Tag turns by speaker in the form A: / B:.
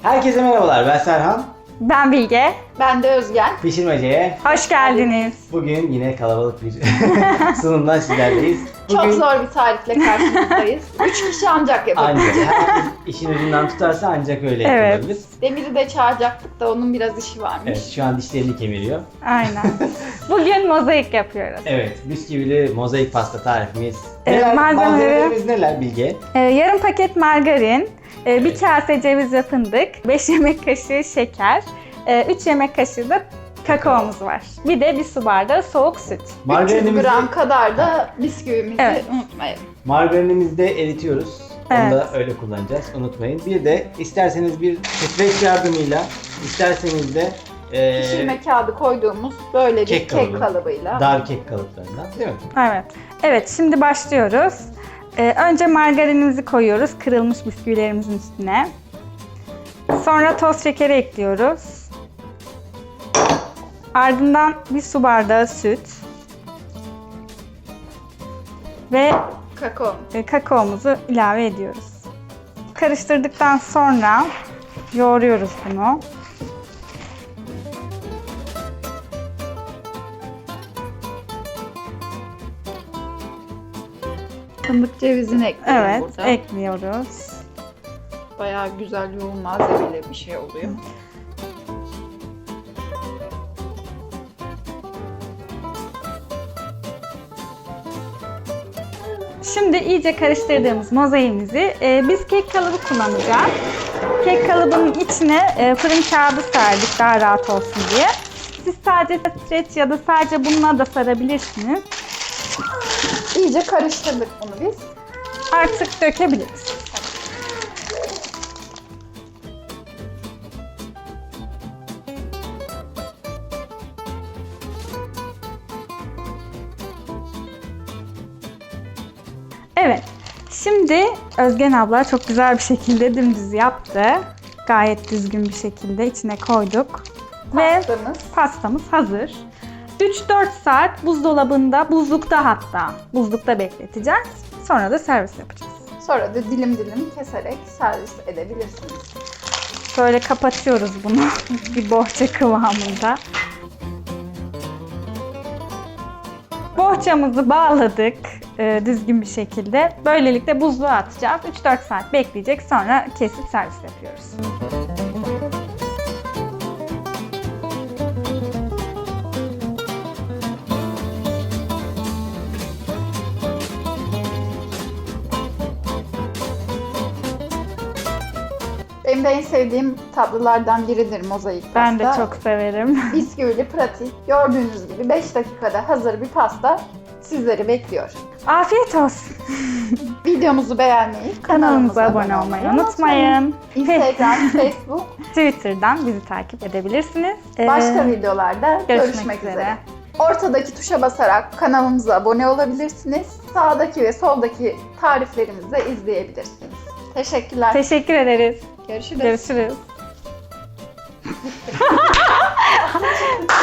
A: Herkese merhabalar, ben Serhan.
B: Ben Bilge.
C: Ben de Özgen.
A: Pişirmeceye
B: Hoş geldiniz.
A: bugün yine kalabalık bir sunumdan sizlerleyiz. Bugün
C: Çok zor bir tarifle karşınızdayız. 3 kişi ancak yapabilecek.
A: ancak herkes işin ucundan tutarsa ancak öyle
B: Evet.
A: yapılabilir.
C: Demir'i de çağıracaktık da onun biraz işi varmış.
A: Evet, şu an dişlerini kemiriyor.
B: Aynen. Bugün mozaik yapıyoruz.
A: Evet, bisküvili mozaik pasta tarifimiz.
B: Malzemelerimiz
A: neler Bilge?
B: Yarım paket margarin, bir kase ceviz ve fındık, 5 yemek kaşığı şeker, 3 yemek kaşığı da kakaomuz var. Bir de bir su bardağı soğuk süt.
C: 300 gram kadar da bisküvimizi unutmayalım.
A: Margarinimizi de eritiyoruz. Onu
B: Evet.
A: da öyle kullanacağız, unutmayın. Bir de isterseniz bir streç yardımıyla, isterseniz de
C: Pişirme kağıdı koyduğumuz böyle bir
A: kek
C: kek
A: kalıbı.
C: kalıbıyla.
A: dar kek kalıplarından, değil mi?
B: Evet. Evet, şimdi başlıyoruz. Önce margarinimizi koyuyoruz kırılmış bisküvilerimizin üstüne. Sonra toz şekeri ekliyoruz. Ardından bir su bardağı süt. Ve
C: Kakao.
B: kakaomuzu ilave ediyoruz. Karıştırdıktan sonra yoğuruyoruz bunu.
C: Fındık cevizini ekledim
B: Evet,
C: burada.
B: ekliyoruz.
C: Bayağı güzel yoğun malzemeli bir şey oluyor.
B: Şimdi iyice karıştırdığımız mozaiğimizi biz kek kalıbı kullanacağız. Kek kalıbının içine fırın kağıdı serdik daha rahat olsun diye. Siz sadece streç ya da sadece bununla da sarabilirsiniz.
C: İyice karıştırdık bunu biz.
B: Artık dökebiliriz. Evet. Şimdi Özgen abla çok güzel bir şekilde dümdüz yaptı. Gayet düzgün bir şekilde içine koyduk. Ve
C: Pastamız.
B: pastamız hazır. 3-4 saat buzdolabında, buzlukta bekleteceğiz. Sonra da servis yapacağız.
C: Sonra da dilim dilim keserek servis edebilirsiniz.
B: Böyle kapatıyoruz bunu bir bohça kıvamında. Bohçamızı bağladık düzgün bir şekilde. Böylelikle buzluğa atacağız. 3-4 saat bekleyecek. Sonra kesip servis yapıyoruz.
C: Benim de en sevdiğim tatlılardan biridir mozaik pasta.
B: Ben de çok severim.
C: Bisküvili, pratik. Gördüğünüz gibi 5 dakikada hazır bir pasta sizleri bekliyor.
B: Afiyet olsun.
C: Videomuzu beğenmeyi,
B: Kanalımıza abone olmayı unutmayın.
C: Instagram, Facebook,
B: Twitter'dan bizi takip edebilirsiniz.
C: başka videolarda
B: görüşmek
C: görüşmek
B: üzere.
C: üzere. Ortadaki tuşa basarak kanalımıza abone olabilirsiniz. Sağdaki ve soldaki tariflerimizi de izleyebilirsiniz. Teşekkürler.
B: Teşekkür ederiz.
C: Görüşürüz.
B: Görüşürüz.